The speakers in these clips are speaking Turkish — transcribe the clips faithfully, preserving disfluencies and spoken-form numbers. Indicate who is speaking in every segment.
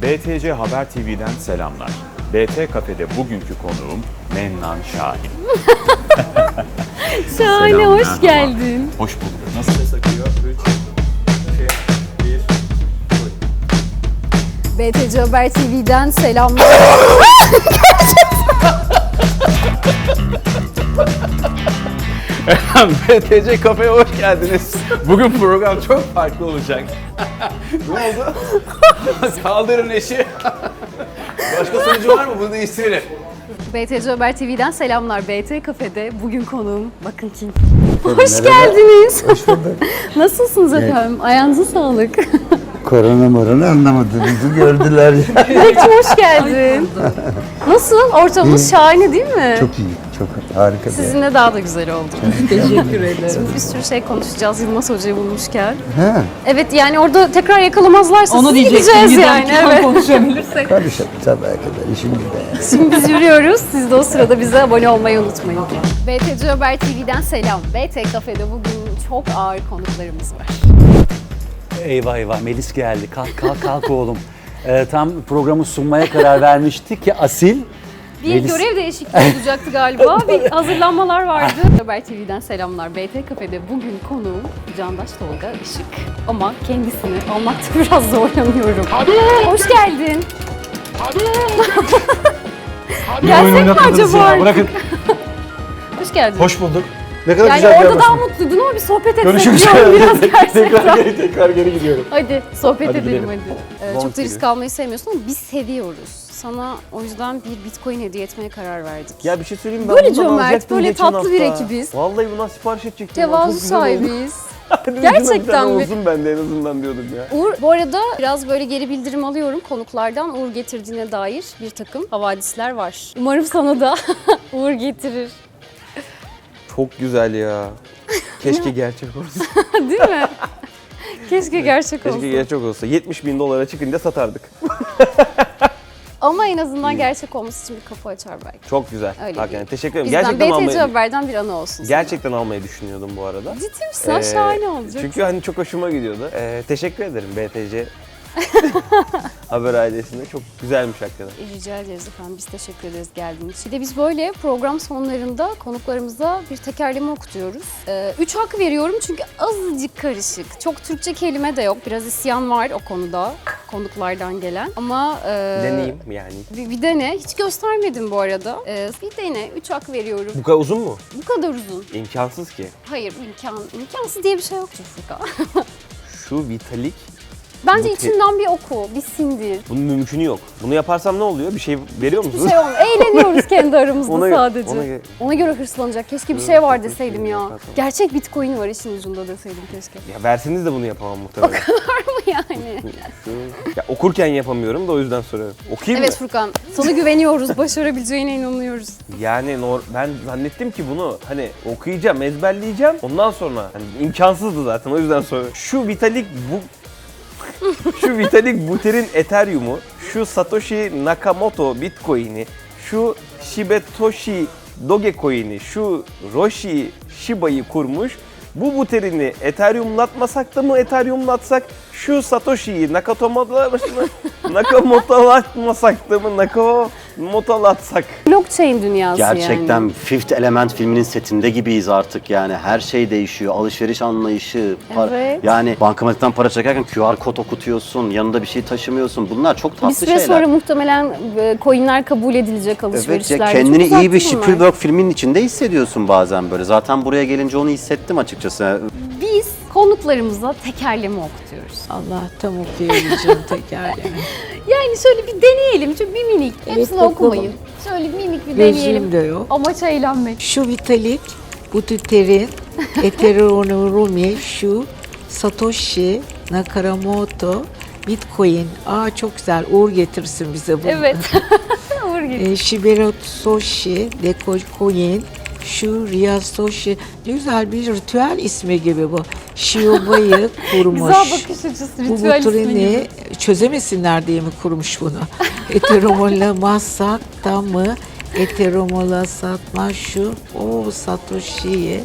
Speaker 1: B T C Haber T V'den selamlar. B T Kafe'de bugünkü konuğum Mennan Şahin.
Speaker 2: Şahane,
Speaker 1: Selam,
Speaker 2: hoş
Speaker 1: merhaba.
Speaker 2: geldin.
Speaker 1: Hoş bulduk. Nasıl ses akıyor? üç, iki, bir,
Speaker 2: B T C Haber T V'den selamlar.
Speaker 1: B T C Kafe'ye hoş geldiniz. Bugün program çok farklı olacak. Ne oldu? Kaldırın eşi. Başka sonucu var mı? Bunu değiştirelim.
Speaker 2: B T C Haber T V'den selamlar. B T Kafe'de bugün konuğum bakın kim. Hoş geldiniz.
Speaker 3: Hoş bulduk.
Speaker 2: Nasılsınız efendim? Ayağınıza sağlık.
Speaker 3: Korona morona anlamadığınızı gördüler.
Speaker 2: Bekçim hoş geldin. Nasıl? Ortamımız şahane değil mi?
Speaker 3: Çok iyi, çok harika.
Speaker 2: Sizinle daha da güzel oldu. Teşekkür ederim. Şimdi bir sürü şey konuşacağız Yılmaz Hoca'yı bulmuşken.
Speaker 3: Ha,
Speaker 2: Evet yani orada tekrar yakalamazlarsa
Speaker 4: Onu
Speaker 2: siz
Speaker 4: diyecektim,
Speaker 2: gideceğiz yani.
Speaker 4: giderken
Speaker 2: Evet.
Speaker 4: konuşabilirsek.
Speaker 3: karışalım sabaha kadar işim güzel.
Speaker 2: Şimdi biz yürüyoruz. Siz de o sırada bize abone olmayı unutmayın. B T C Haber T V'den selam. B T Kafe'de bugün çok ağır konuklarımız var.
Speaker 5: Eyvah eyvah Melis geldi. Kalk kalk kalk oğlum. Ee, tam programı sunmaya karar vermiştik ki Asil.
Speaker 2: Bir
Speaker 5: Melis-
Speaker 2: görev değişikliği olacaktı galiba. Bir hazırlanmalar vardı. Haber T V'den selamlar. B T Kafe'de bugün konuğum Candaş Tolga Işık. Ama kendisini almakta biraz zorlanıyorum. Hoş geldin. Gelsek mi acaba?
Speaker 5: Bırakın.
Speaker 2: Hoş geldin.
Speaker 5: Hoş bulduk. Ne kadar
Speaker 2: Yani
Speaker 5: güzel bir
Speaker 2: orada
Speaker 5: yer
Speaker 2: daha
Speaker 5: burası.
Speaker 2: mutluydun ama bir sohbet etmek
Speaker 5: Görüşürüz.
Speaker 2: diyorum biraz gerçekten.
Speaker 5: tekrar, geri, tekrar geri gidiyorum.
Speaker 2: Hadi sohbet
Speaker 5: Hadi
Speaker 2: edelim
Speaker 5: gidelim.
Speaker 2: hadi. Ee,
Speaker 5: Long
Speaker 2: çok da risk
Speaker 5: gibi.
Speaker 2: almayı sevmiyorsun ama biz seviyoruz. Sana o yüzden bir Bitcoin hediye etmeye karar verdik.
Speaker 6: Ya bir şey söyleyeyim mi? Ben
Speaker 2: Böyle
Speaker 6: bundan
Speaker 2: cömert,
Speaker 6: alacaktım
Speaker 2: böyle
Speaker 6: geçen
Speaker 2: tatlı bir
Speaker 6: hafta.
Speaker 2: ekibiz.
Speaker 6: Vallahi bundan sipariş edecektim. ya, çok
Speaker 2: Tevazu
Speaker 6: güzel oldu.
Speaker 2: sahibiyiz.
Speaker 6: Dedim,
Speaker 2: Gerçekten
Speaker 6: bir tane
Speaker 2: mi?
Speaker 6: olsun bende en azından diyordum ya.
Speaker 2: Uğur, bu arada biraz böyle geri bildirim alıyorum konuklardan. Uğur getirdiğine dair bir takım havadisler var. Umarım sana da Uğur getirir.
Speaker 6: Çok güzel ya. Keşke gerçek olsa.
Speaker 2: Değil mi? Keşke gerçek olsa.
Speaker 6: Keşke gerçek olsa. yetmiş bin dolara çıkınca satardık.
Speaker 2: Ama en azından gerçek olması için bir kapı açar belki.
Speaker 6: Çok güzel.
Speaker 2: Öyle
Speaker 6: Hakikaten
Speaker 2: değil.
Speaker 6: teşekkür ederim.
Speaker 2: Bizden
Speaker 6: Gerçekten
Speaker 2: B T C
Speaker 6: almayı,
Speaker 2: Haber'den bir anı olsun sana.
Speaker 6: gerçekten almayı düşünüyordum bu arada.
Speaker 2: Ciddi misin? Ha,
Speaker 6: Ee,
Speaker 2: şahane olacak.
Speaker 6: Çünkü hani çok hoşuma gidiyordu. Ee, teşekkür ederim B T C Haber ailesine. Çok güzelmiş hakikaten.
Speaker 2: Rica ederiz efendim. Biz teşekkür ederiz geldiğiniz için. Bir de biz böyle program sonlarında konuklarımıza bir tekerleme okutuyoruz. Ee, üç hak veriyorum çünkü azıcık karışık. Çok Türkçe kelime de yok. Biraz isyan var o konuda konuklardan gelen. Ama e,
Speaker 6: Deneyeyim yani.
Speaker 2: bir, bir dene. Hiç göstermedim bu arada. Ee, bir dene. Üç hak veriyorum.
Speaker 6: Bu kadar uzun mu?
Speaker 2: Bu kadar uzun.
Speaker 6: İmkansız ki.
Speaker 2: Hayır imkan, imkansız diye bir şey yoktur Furkan.
Speaker 6: Şu vitalik.
Speaker 2: Bence
Speaker 6: Bu te-
Speaker 2: içinden bir oku, bir sindir.
Speaker 6: Bunun mümkünü yok. Bunu yaparsam ne oluyor? Bir şey veriyor
Speaker 2: Bir
Speaker 6: musunuz?
Speaker 2: şey olmuyor. Eğleniyoruz kendi aramızda
Speaker 6: Ona gö-
Speaker 2: sadece.
Speaker 6: ona
Speaker 2: Ona,
Speaker 6: gö-
Speaker 2: göre hırslanacak. Keşke bir
Speaker 6: Yok,
Speaker 2: şey var
Speaker 6: yok,
Speaker 2: deseydim
Speaker 6: yok,
Speaker 2: ya.
Speaker 6: yok, yok.
Speaker 2: Gerçek Bitcoin var işin ucunda deseydim keşke.
Speaker 6: Ya verseniz de bunu yapamam muhtemelen.
Speaker 2: Yani.
Speaker 6: Şu, ya okurken yapamıyorum da o yüzden soruyorum. Okuyayım
Speaker 2: Evet
Speaker 6: mı?
Speaker 2: Furkan, sana güveniyoruz. Başarabileceğine inanıyoruz.
Speaker 6: Yani nor- ben zannettim ki bunu hani okuyacağım, ezberleyeceğim. Ondan sonra hani imkansızdı zaten o yüzden soruyorum. Şu Vitalik bu şu Vitalik Buterin Ethereum'u, şu Satoshi Nakamoto Bitcoin'i, şu Shibetoshi Dogecoin'i, şu Roshi Shiba'yı kurmuş. Bu Buterin'i Ethereum'latmasak da mı Ethereum'latsak? Şu Satoshi'yi Nakamoto'latmasak da mı Nakamoto'latsak?
Speaker 2: Blockchain dünyası
Speaker 5: Gerçekten
Speaker 2: yani.
Speaker 5: Fifth Element filminin setinde gibiyiz artık yani. Her şey değişiyor. Alışveriş anlayışı. par-
Speaker 2: Evet.
Speaker 5: Yani bankamatikten para çekerken Q R kod okutuyorsun. Yanında bir şey taşımıyorsun. Bunlar çok tatlı
Speaker 2: Bir süre
Speaker 5: şeyler.
Speaker 2: sonra muhtemelen e, coinler kabul edilecek
Speaker 5: Evet
Speaker 2: alışverişlerde.
Speaker 5: ya, kendini
Speaker 2: Çok
Speaker 5: iyi bir
Speaker 2: tatlı bunlar.
Speaker 5: Spielberg filminin içinde hissediyorsun bazen böyle. Zaten buraya gelince onu hissettim açıkçası.
Speaker 2: Biz konuklarımıza tekerleme okutuyoruz.
Speaker 4: Allah tam okuyabileceğim tekerleme.
Speaker 2: Yani şöyle bir deneyelim. Şöyle bir minik.
Speaker 4: Evet,
Speaker 2: Hepsini
Speaker 4: bakalım.
Speaker 2: okumayın. Şöyle minik bir deneyelim.
Speaker 4: Gözüm de yok.
Speaker 2: Amaç eğlenmek.
Speaker 4: Şu Vitalik, Buterin, Ethereum, şu Satoshi Nakamoto, Bitcoin. Aa çok güzel. Uğur getirsin bize bunu.
Speaker 2: Evet. Uğur gibi.
Speaker 4: E, Shibetoshi, Dogecoin, şu Ryasoshi. Ne güzel bir ritüel ismi gibi bu. Shioba'yı kurmuş.
Speaker 2: Güzel bakış açısı,
Speaker 4: Bu
Speaker 2: ritüel ismi
Speaker 4: Buterini
Speaker 2: gibi.
Speaker 4: çözemesinler diye mi kurmuş bunu? Ethereum'lamazsak da mı? Ethereum'la satma şu. O Satoshi'yi.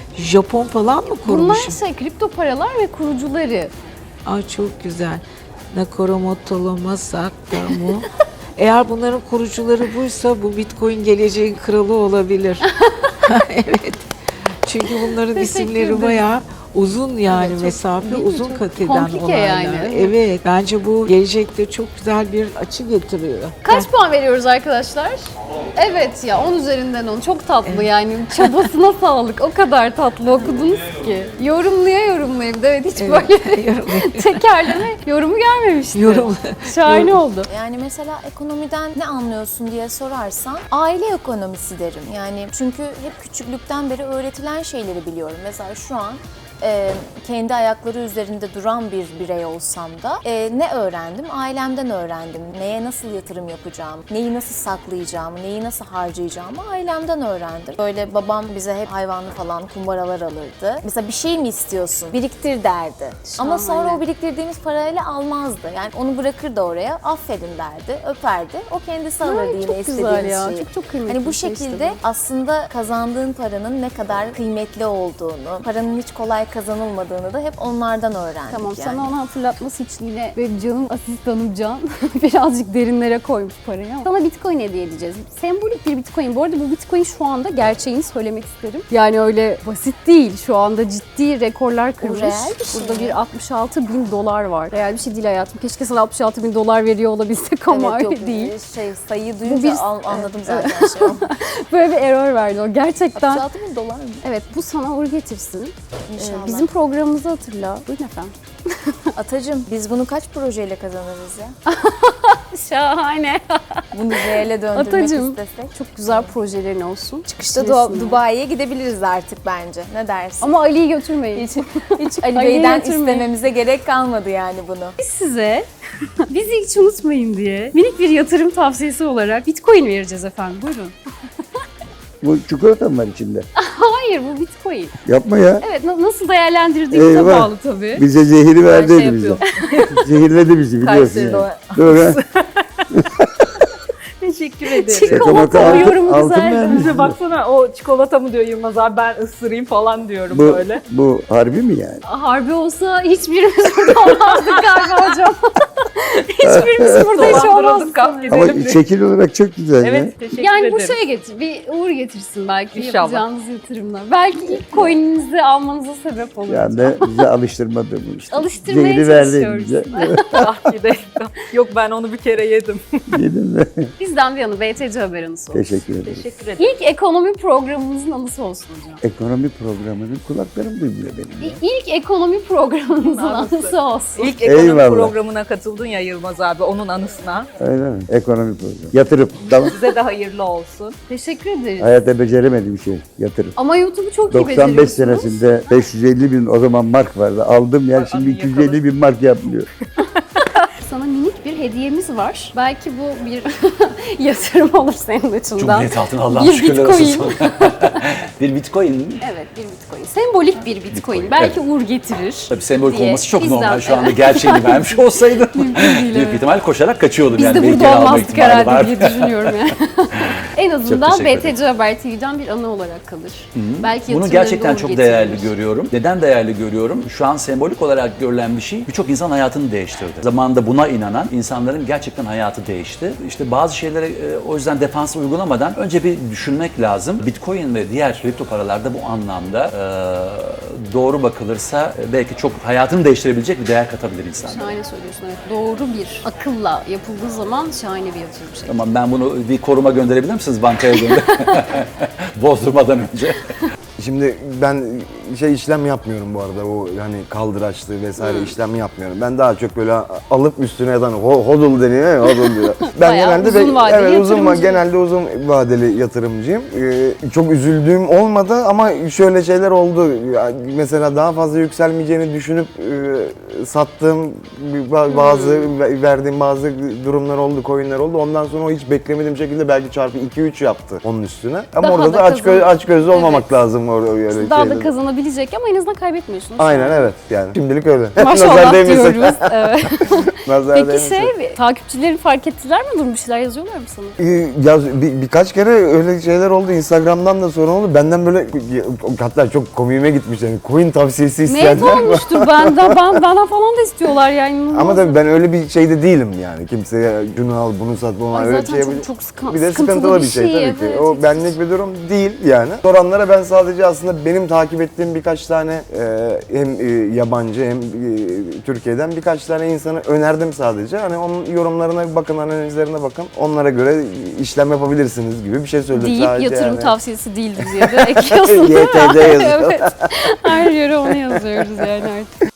Speaker 4: Japon falan mı kurmuş?
Speaker 2: Bunlar şey kripto paralar ve kurucuları.
Speaker 4: Aa çok güzel. Nakoromoto Masakta mu? Eğer bunların kurucuları buysa bu Bitcoin geleceğin kralı olabilir. Evet. Çünkü bunların
Speaker 2: Teşekkür
Speaker 4: isimleri
Speaker 2: ederim.
Speaker 4: bayağı uzun yani
Speaker 2: çok-
Speaker 4: mesafe
Speaker 2: değil mi?
Speaker 4: uzun
Speaker 2: Çok
Speaker 4: kat eden
Speaker 2: komplike
Speaker 4: olaylar.
Speaker 2: yani.
Speaker 4: Evet. Bence bu gelecekte çok güzel bir açı getiriyor.
Speaker 2: Kaç puan veriyoruz arkadaşlar? Evet ya on üzerinden on. Çok tatlı yani. Çabasına sağlık. O kadar tatlı okudunuz ki. Yorumluya yorumlayayım. Evet hiç
Speaker 4: Evet,
Speaker 2: böyle
Speaker 4: yorumluya.
Speaker 2: tekerleme yorumu gelmemişti.
Speaker 4: Yorum.
Speaker 2: Şahane oldu.
Speaker 7: Yani mesela ekonomiden ne anlıyorsun diye sorarsan aile ekonomisi derim. Yani çünkü hep küçüklükten beri öğretilen şeyleri biliyorum. Mesela şu an e, kendi ayakları üzerinde duran bir birey olsam da e, ne öğrendim? Ailemden öğrendim. Neye nasıl yatırım yapacağım, neyi nasıl saklayacağımı, neyi nasıl harcayacağımı ailemden öğrendim. Böyle babam bize hep hayvanlı falan kumbaralar alırdı. Mesela bir şey mi istiyorsun? Biriktir derdi. Ama sonra
Speaker 2: Şahane.
Speaker 7: o biriktirdiğimiz parayla almazdı. Yani onu bırakırdı oraya, affedin derdi, öperdi. O kendisi alırdı
Speaker 2: Ay,
Speaker 7: yine
Speaker 2: çok
Speaker 7: istediğimiz
Speaker 2: güzel ya.
Speaker 7: şeyi.
Speaker 2: Çok çok kıymetli
Speaker 7: Hani bu
Speaker 2: bir şey işte
Speaker 7: şekilde
Speaker 2: bu.
Speaker 7: aslında kazandığın paranın ne kadar kıymetli olduğunu, paranın hiç kolay kazanılmadığını da hep onlardan öğrendik
Speaker 2: Tamam
Speaker 7: yani.
Speaker 2: sana onu hatırlatması için yine benim canım asistanım Can birazcık derinlere koymuş parayı ama sana Bitcoin hediye edeceğiz. Sembolik bir Bitcoin. Bu arada bu Bitcoin şu anda gerçeğini söylemek isterim. Yani öyle basit değil. Şu anda ciddi rekorlar kırmış.
Speaker 7: reel bir şey
Speaker 2: Burada
Speaker 7: mi?
Speaker 2: bir altmış altı bin dolar var. Real bir şey değil hayatım. Keşke sana altmış altı bin dolar veriyor olabilsek ama
Speaker 7: Evet,
Speaker 2: öyle
Speaker 7: yok,
Speaker 2: değil.
Speaker 7: Şey, sayıyı duyunca
Speaker 2: bir-
Speaker 7: an- anladım zaten şey oldu.
Speaker 2: Böyle bir error verdi o. Gerçekten.
Speaker 7: altmış altı bin dolar mı?
Speaker 2: Evet bu sana uğur getirsin.
Speaker 7: İnşallah.
Speaker 2: Ee, bizim programımızı hatırla. Buyurun efendim.
Speaker 7: Atacığım biz bunu kaç projeyle kazanırız ya?
Speaker 2: Şahane.
Speaker 7: Bunu reale döndürmek
Speaker 2: Atacığım.
Speaker 7: istesek.
Speaker 2: Çok güzel projelerin olsun.
Speaker 7: İşte
Speaker 2: Resimler.
Speaker 7: Du- Dubai'ye gidebiliriz artık bence. Ne dersin?
Speaker 2: Ama Ali'yi götürmeyin.
Speaker 7: hiç, hiç Ali
Speaker 2: Ali'yi
Speaker 7: Bey'den
Speaker 2: götürmeyin.
Speaker 7: istememize gerek kalmadı yani bunu.
Speaker 2: Biz size bizi hiç unutmayın diye minik bir yatırım tavsiyesi olarak Bitcoin vereceğiz efendim. Buyurun.
Speaker 3: Bu çikolata mı var içinde?
Speaker 2: Hayır bu Bitcoin.
Speaker 3: Yapma ya.
Speaker 2: Evet na- nasıl değerlendirdiğinize
Speaker 3: Eyvah.
Speaker 2: bağlı tabii.
Speaker 3: Bize zehiri verdi
Speaker 2: şey
Speaker 3: elimizde.
Speaker 2: yapıyor.
Speaker 3: Zehirledi bizi biliyorsun
Speaker 7: Kayseri'de
Speaker 3: yani. Doğru.
Speaker 8: Teşekkür ederim.
Speaker 2: Çikolata
Speaker 3: altın-
Speaker 2: yorumu
Speaker 3: altın
Speaker 2: güzeldi.
Speaker 3: vermiş.
Speaker 8: Bize baksana o çikolata mı diyor Yılmaz abi ben ısırayım falan diyorum
Speaker 3: Bu,
Speaker 8: böyle.
Speaker 3: bu harbi mi yani?
Speaker 2: Harbi olsa hiçbirimiz burada olmazdık galiba hocam. hiçbirimiz burada hiç
Speaker 8: Dolandırıldık,
Speaker 2: olmazdık.
Speaker 8: kalk gidelim.
Speaker 3: Ama
Speaker 8: diye.
Speaker 3: şekil olarak çok güzel ya.
Speaker 8: Evet teşekkür
Speaker 2: Yani
Speaker 8: ederim.
Speaker 2: bu şeye getir, bir uğur getirsin belki
Speaker 8: İnşallah.
Speaker 2: yapacağınız yatırımlar. Belki ilk coin'inizi almanıza sebep olur.
Speaker 3: Yani de bize alıştırmadı bu işte.
Speaker 2: Alıştırmaya
Speaker 3: Zehri verdi
Speaker 2: çalışıyoruz.
Speaker 3: elimize.
Speaker 8: Ah gidelim. Yok ben onu bir kere yedim.
Speaker 3: Yedim mi?
Speaker 2: Bizden bir yanı B T C haber anısı olsun.
Speaker 3: Teşekkür ederim.
Speaker 8: Teşekkür ederim.
Speaker 2: İlk ekonomi programımızın anısı olsun hocam.
Speaker 3: Ekonomi programının kulaklarım duymuyor benim ya.
Speaker 2: İlk ekonomi programımızın
Speaker 8: Anısı.
Speaker 2: anısı olsun.
Speaker 8: İlk ekonomi
Speaker 3: Eyvallah.
Speaker 8: programına katıldın ya Yılmaz abi onun anısına.
Speaker 3: Öyle mi? Ekonomi programı. Yatırım. Tamam.
Speaker 8: Size de hayırlı olsun.
Speaker 2: Teşekkür ederiz.
Speaker 3: Hayatta beceremediğim şey. Yatırım.
Speaker 2: Ama YouTube'u çok iyi
Speaker 3: doksan beş
Speaker 2: beceriyorsunuz.
Speaker 3: senesinde beş yüz elli bin o zaman mark vardı. Aldım yer şimdi iki yüz elli bin mark yapmıyor.
Speaker 2: Sana minik bir hediyemiz var. Belki bu bir yatırım olur senin açından.
Speaker 5: Cumhuriyet altına Allah'ım
Speaker 2: Bir
Speaker 5: şükürler
Speaker 2: Bitcoin.
Speaker 5: olsun. Bir Bitcoin mi?
Speaker 2: Evet bir Bitcoin. Sembolik bir Bitcoin.
Speaker 5: Bitcoin,
Speaker 2: Belki
Speaker 5: evet.
Speaker 2: uğur getirir.
Speaker 5: Tabii sembolik
Speaker 2: diye
Speaker 5: olması çok
Speaker 2: bizden-
Speaker 5: normal. Şu anda
Speaker 2: evet.
Speaker 5: gerçeğini vermiş olsaydı
Speaker 2: değil,
Speaker 5: büyük
Speaker 2: evet.
Speaker 5: ihtimal koşarak kaçıyordum.
Speaker 2: Biz
Speaker 5: yani
Speaker 2: de
Speaker 5: bir
Speaker 2: burada
Speaker 5: kere alma
Speaker 2: olmazdık
Speaker 5: ihtimali
Speaker 2: herhalde
Speaker 5: var.
Speaker 2: diye düşünüyorum yani. En azından
Speaker 5: teşekkür
Speaker 2: B T C Haber T V'den bir anı olarak kalır. Belki
Speaker 5: Bunu
Speaker 2: yatırımlarında
Speaker 5: gerçekten
Speaker 2: uğur
Speaker 5: çok
Speaker 2: getirir.
Speaker 5: değerli görüyorum. Neden değerli görüyorum? Şu an sembolik olarak görülen bir şey birçok insan hayatını değiştirdi. Zamanında buna inanan insanların gerçekten hayatı değişti. İşte bazı şeylere e, o yüzden defans uygulamadan önce bir düşünmek lazım. Bitcoin ve diğer kripto paralarda bu anlamda e, doğru bakılırsa e, belki çok hayatını değiştirebilecek bir değer katabilir insanlara.
Speaker 2: Şahane söylüyorsun evet. Doğru bir akılla yapıldığı zaman şahane bir yatırım şey.
Speaker 5: Tamam ben bunu bir koruma gönderebilir misiniz bankaya gönder? Bozdurmadan önce.
Speaker 9: Şimdi ben şey işlem yapmıyorum bu arada o hani kaldıraçlı vesaire işlem yapmıyorum. Ben daha çok böyle alıp üstüne yatan ho- hodl deniyor ya hodl diyor. Ben
Speaker 2: Bayağı
Speaker 9: genelde
Speaker 2: uzun
Speaker 9: be-
Speaker 2: vadeli
Speaker 9: evet, uzun va-
Speaker 2: yatırımcı.
Speaker 9: genelde uzun vadeli yatırımcıyım. Ee, çok üzüldüğüm olmadı ama şöyle şeyler oldu. Ya, mesela daha fazla yükselmeyeceğini düşünüp e, sattığım ba- bazı ve- verdiğim bazı durumlar oldu, coinler oldu. Ondan sonra o hiç beklemediğim şekilde belki çarpı iki üç yaptı onun üstüne. Ama
Speaker 2: Daha
Speaker 9: orada da
Speaker 2: da
Speaker 9: aç, gö-
Speaker 2: kazan-
Speaker 9: aç gözlü olmamak
Speaker 2: Evet.
Speaker 9: lazım orada öyle
Speaker 2: Daha da
Speaker 9: şeyde.
Speaker 2: kazanabilirsiniz olabilecek ama en azından kaybetmiyorsunuz.
Speaker 9: Aynen evet yani. Şimdilik öyle.
Speaker 2: Maşallah
Speaker 9: Nazar değmesin.
Speaker 2: diyoruz. Evet.
Speaker 9: Nazar
Speaker 2: Peki
Speaker 9: değmesin.
Speaker 2: şey, takipçilerin fark ettiler mi durum? Bir şeyler yazıyorlar mı sana?
Speaker 9: Ee, Ya bir, birkaç kere öyle şeyler oldu. Instagram'dan da sorun oldu. Benden böyle hatta çok komiğime gitmiş yani. Coin tavsiyesi
Speaker 2: Net
Speaker 9: isteyenler var.
Speaker 2: olmuştur benden, ben, benden falan da istiyorlar yani.
Speaker 9: Ama tabii ben öyle bir şeyde değilim yani. Kimseye şunu al, bunu sat, bunu al.
Speaker 2: Ay
Speaker 9: Öyle
Speaker 2: zaten
Speaker 9: bir şey
Speaker 2: çok,
Speaker 9: yapacak-
Speaker 2: çok sıkı-
Speaker 9: Bir de
Speaker 2: sıkıntılı
Speaker 9: sıkıntılı bir şey, tabii
Speaker 2: evet,
Speaker 9: ki. O
Speaker 2: hiç-
Speaker 9: benlik bir durum değil yani. Soranlara ben sadece aslında benim takip ettiğim birkaç tane e, hem e, yabancı hem e, Türkiye'den birkaç tane insanı önerdim sadece. Hani onun yorumlarına bir bakın, analizlerine bakın. Onlara göre işlem yapabilirsiniz gibi bir şey söyledim
Speaker 2: deyip
Speaker 9: sadece.
Speaker 2: yatırım
Speaker 9: yani.
Speaker 2: tavsiyesi değildir diye de ekliyorsun değil mi?
Speaker 9: Y T D yazıyor.
Speaker 2: Evet. Her yere onu yazıyoruz yani artık.